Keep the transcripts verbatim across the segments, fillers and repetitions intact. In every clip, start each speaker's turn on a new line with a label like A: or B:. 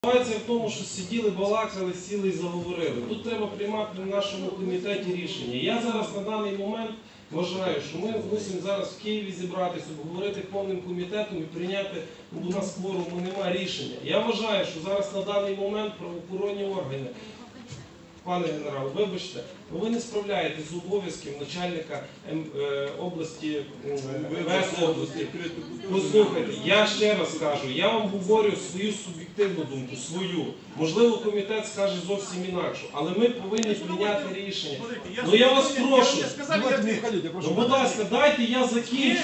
A: Ситуація в тому, що сиділи, балакали, сіли і заговорили. Тут треба приймати на нашому комітеті рішення. Я зараз на даний момент вважаю, що ми мусимо зараз в Києві зібратися, обговорити повним комітетом і прийняти, бо у нас кворуму немає, рішення. Я вважаю, що зараз на даний момент правоохоронні органи, пане генерал, вибачте, ви не справляєтесь з обов'язків начальника області, ем ве ес області. Послухайте, я ще раз кажу, я вам говорю свою суб'єктивну думку, свою. Можливо, комітет скаже зовсім інакше, але ми повинні прийняти рішення. Ну я вас прошу, ну, будь ласка, дайте я закінчу.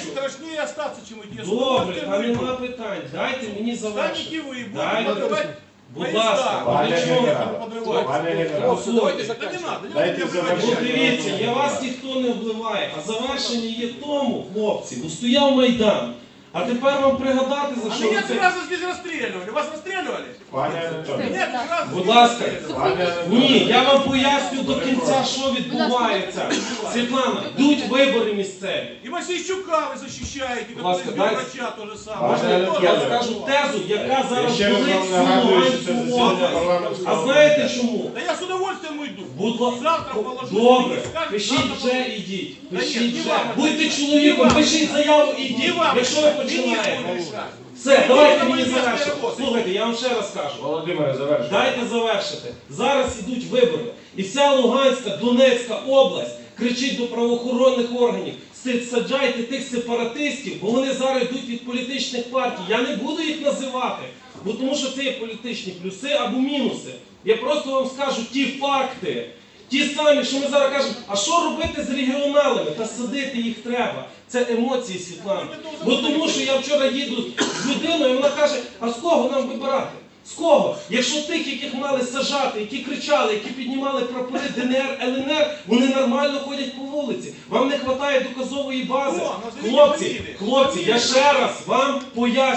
A: Добре, та нема питань, дайте мені завершити. Дайте. Будь ласка,
B: пане
A: генерал,
B: пане генерал,
A: дайте завершити. Дивіться, я вас ніхто не обливає, а завершення є тому, хлопці, бо стояв Майдан. А тепер вам пригадати, за що
C: А
A: ви
C: меня
A: це...
C: сразу здесь расстреливали. Вас расстреливали?
B: пане Анатолій,
C: Нет, сразу
A: Будь
C: здесь
A: ласка,
C: расстреливали.
B: пане
A: ні, я вам поясню до кінця, що відбувається. Світлана, йдуть вибори місцеві.
C: И Мосейчука вы защищаете,
A: Будь ласка,
C: который
A: дайте.
C: врача то же самое.
B: Пане
C: Вы
A: Я
C: тоже.
A: скажу тезу, яка
B: я
A: зараз
B: ще раз
A: болить
B: вам
A: всю
B: нагадую, що це
A: Луганську
B: засідання
A: область.
B: парламентського
A: А знаєте
B: комітету.
A: чому?
C: Да я с удовольствием уйду.
A: Будь ласка,
C: Завтра положу.
A: добре,
C: если не скажут,
A: пишіть
C: завтра
A: вже
C: положу.
A: ідіть.
C: Та ні,
A: Пишіть
C: не
A: вже.
C: вам це
A: Будьте
C: рішати.
A: чоловіком,
C: Не вам
A: пишіть
C: це
A: заяву,
C: Не
A: ідіть.
C: вам
A: Якщо ви
C: решать,
A: починаєте.
C: министру решать.
A: Все, давайте
C: Ідіть,
A: мені
C: там
A: завершити.
C: роботи.
A: Слухайте, я вам ще раз кажу.
B: Володимире, завершуйте.
A: Дайте завершити. Зараз ідуть вибори. І вся Луганська, Донецька область кричить до правоохоронних органів: саджайте тих сепаратистів, бо вони зараз йдуть від політичних партій. Я не буду їх називати, бо тому що це є політичні плюси або мінуси. Я просто вам скажу ті факти. Ті самі, що ми зараз кажемо, а що робити з регіоналами? Та садити їх треба. Це емоції, Світлана. Бо тому що я вчора їду з людиною, і вона каже: а з кого нам вибирати? З кого? Якщо тих, яких мали сажати, які кричали, які піднімали прапори Де Ен Ер, Ел Ен Ер, вони нормально ходять по вулиці. Вам не вистачає доказової бази.
C: О, ну,
A: Хлопці,
C: заведіть
A: хлопці, я ще раз вам поясню.